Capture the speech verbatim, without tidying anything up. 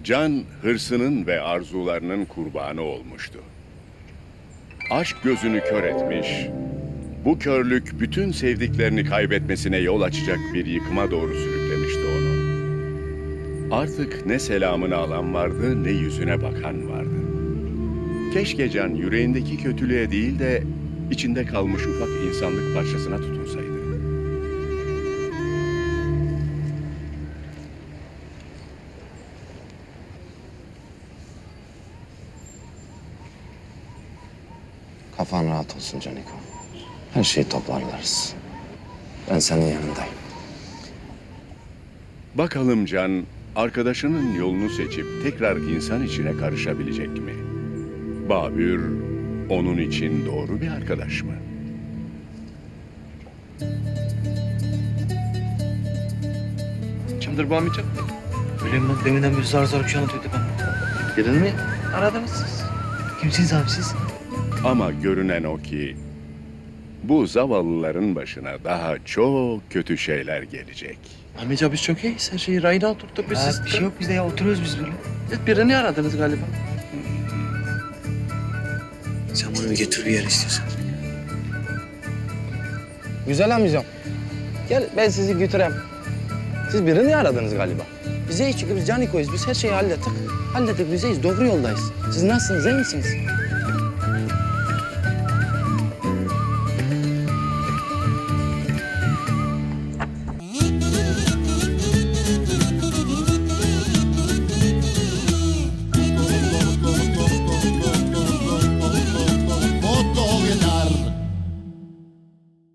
Can hırsının ve arzularının kurbanı olmuştu. Aşk gözünü kör etmiş, bu körlük bütün sevdiklerini kaybetmesine yol açacak bir yıkıma doğru sürüklemişti onu. Artık ne selamını alan vardı, ne yüzüne bakan vardı. Keşke Can yüreğindeki kötülüğe değil de içinde kalmış ufak insanlık parçasına tutunsaydı. Kafan rahat olsun Caniko. Her şeyi toparlarız. Ben senin yanındayım. Bakalım Can, arkadaşının yolunu seçip tekrar insan içine karışabilecek mi? Babür, onun için doğru bir arkadaş mı? Kimdir bu amca? Bileyim ben deminden bir zar zar bir şey anlatıyordu ben. Birini mi aradınız siz? Kimsiniz abi siz? Ama görünen o ki bu zavallıların başına daha çok kötü şeyler gelecek. Amca biz çok iyiyiz. Her şeyi rayına oturttuk biz. Ha, Siz bir şey yok bizde ya oturuyoruz biz böyle. Siz birini aradınız galiba. Sen bunu bir götür bir yere istiyorsan. Güzel amcam. Gel ben sizi götüreyim. Siz birini aradınız galiba. Bize çünkü biz Caniko'yuz. Biz her şeyi hallettik. Hallettik bizeyiz. Doğru yoldayız. Siz nasılsınız? İyi misiniz?